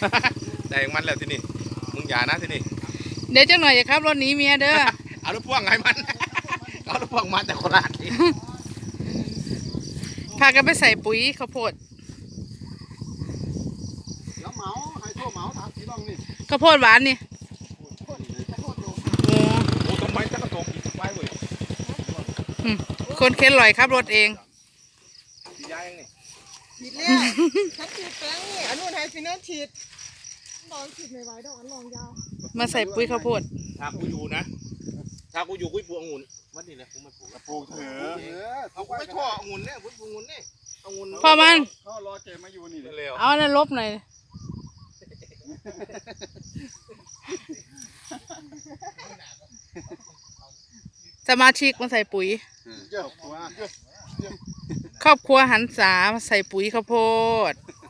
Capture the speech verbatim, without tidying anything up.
แต่งมันแล้วที่นี่มึงอย่านะที่นี่เดี๋ยวจังหน่อยจะครับรถหนีเมียเด้อเอารถพ่วงไงมันเอารถพ่วงมาแต่โคราชพากันไปใส่ปุ๋ยข้าวโพดเดี๋ยวเหมาให้ทั่วเหมาถามสีบ้างนี่ข้าวโพดหวานนี่โอ้โอ้ทำไมจะกระโดดอีกไปเว้ยคนเข็นลอยครับรถเองสียายังนี่ฉีดแล้วฉันฉีดแป้งนี่อันนู้นให้ฟินเนอร์ฉีดลองฉีดไม่ไหวดอกอันลองยาวมาใส่ปุ๋ยข้าวโพดถ้ากูอยู่นะถ้ากูอยู่กูปลูกองุ่นมันนี่แหละกูไม่ปลูกปลูกเถอะเอากูไม่ชอบองุ่นเนี่ยกูปลูกองุ่นนี่องุ่นพ่อมันเขารอเจมาอยู่นี่เร็วเอาอันนั้นลบหน่อยสมาชิกมาใส่ปุ๋ยครอบครัวหันษาใส่ปุ๋ยข้าวโพด